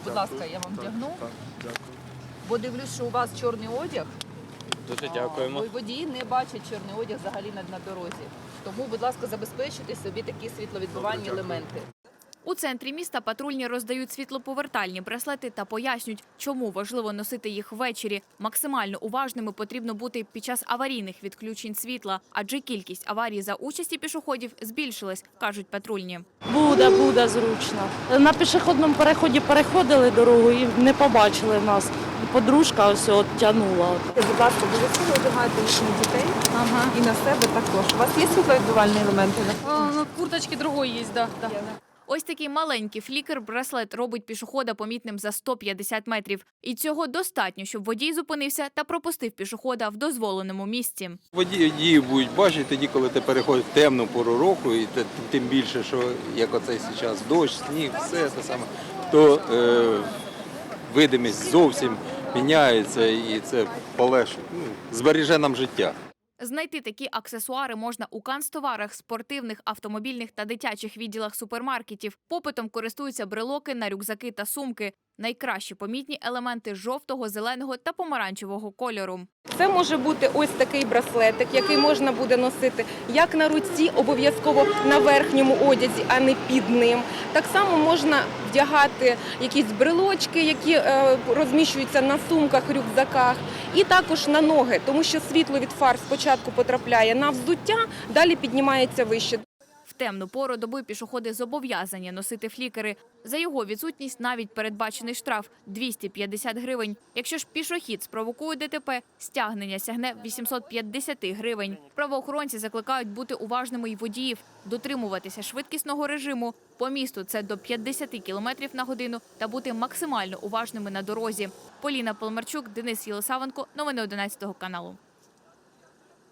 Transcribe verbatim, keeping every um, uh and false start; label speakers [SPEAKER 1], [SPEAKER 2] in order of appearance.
[SPEAKER 1] Будь ласка, я вам вдягну.
[SPEAKER 2] Так, дякую.
[SPEAKER 1] Бо дивлюсь, що у вас чорний одяг.
[SPEAKER 3] Дуже дякуємо.
[SPEAKER 1] Бо водії не бачать чорний одяг взагалі на, на дорозі. Тому, будь ласка, забезпечте собі такі світловідбивальні
[SPEAKER 2] Добре,
[SPEAKER 1] елементи.
[SPEAKER 4] У центрі міста патрульні роздають світлоповертальні браслети та пояснюють, чому важливо носити їх ввечері. Максимально уважними потрібно бути під час аварійних відключень світла, адже кількість аварій за участі пішоходів збільшилась, кажуть патрульні.
[SPEAKER 5] Буде, буде зручно. На пішохідному переході переходили дорогу і не побачили нас. Подружка ось от тягнула.
[SPEAKER 1] Будь ласка, обов'язково одягайте їхніх дітей
[SPEAKER 6] Ага.
[SPEAKER 1] і на себе також. У вас є світловідбивальні елементи?
[SPEAKER 6] А, ну, курточки другой есть, да. да.
[SPEAKER 4] Ось такий маленький флікер-браслет робить пішохода помітним за сто п'ятдесят метрів. І цього достатньо, щоб водій зупинився та пропустив пішохода в дозволеному місці.
[SPEAKER 3] Водії будуть бачити тоді, коли ти переходиш в темну пору року, і те- тим більше, що як оцей зараз дощ, сніг, все те саме, то е, видимість зовсім міняється і це полегшить, ну, збереже нам життя.
[SPEAKER 4] Знайти такі аксесуари можна у канцтоварах, спортивних, автомобільних та дитячих відділах супермаркетів. Попитом користуються брелоки на рюкзаки та сумки. Найкраще помітні елементи жовтого, зеленого та помаранчевого кольору.
[SPEAKER 7] Це може бути ось такий браслетик, який можна буде носити як на руці, обов'язково на верхньому одязі, а не під ним. Так само можна вдягати якісь брелочки, які е, розміщуються на сумках, рюкзаках, і також на ноги, тому що світло від фар спочатку потрапляє на взуття, далі піднімається вище.
[SPEAKER 4] В темну пору доби пішоходи зобов'язані носити флікери. За його відсутність навіть передбачений штраф – двісті п'ятдесят гривень. Якщо ж пішохід спровокує ДТП, стягнення сягне вісімсот п'ятдесят гривень. Правоохоронці закликають бути уважними й водіїв, дотримуватися швидкісного режиму. По місту це до п'ятдесят кілометрів на годину та бути максимально уважними на дорозі. Поліна Полмарчук, Денис Єлисавенко. Новини одинадцятого каналу.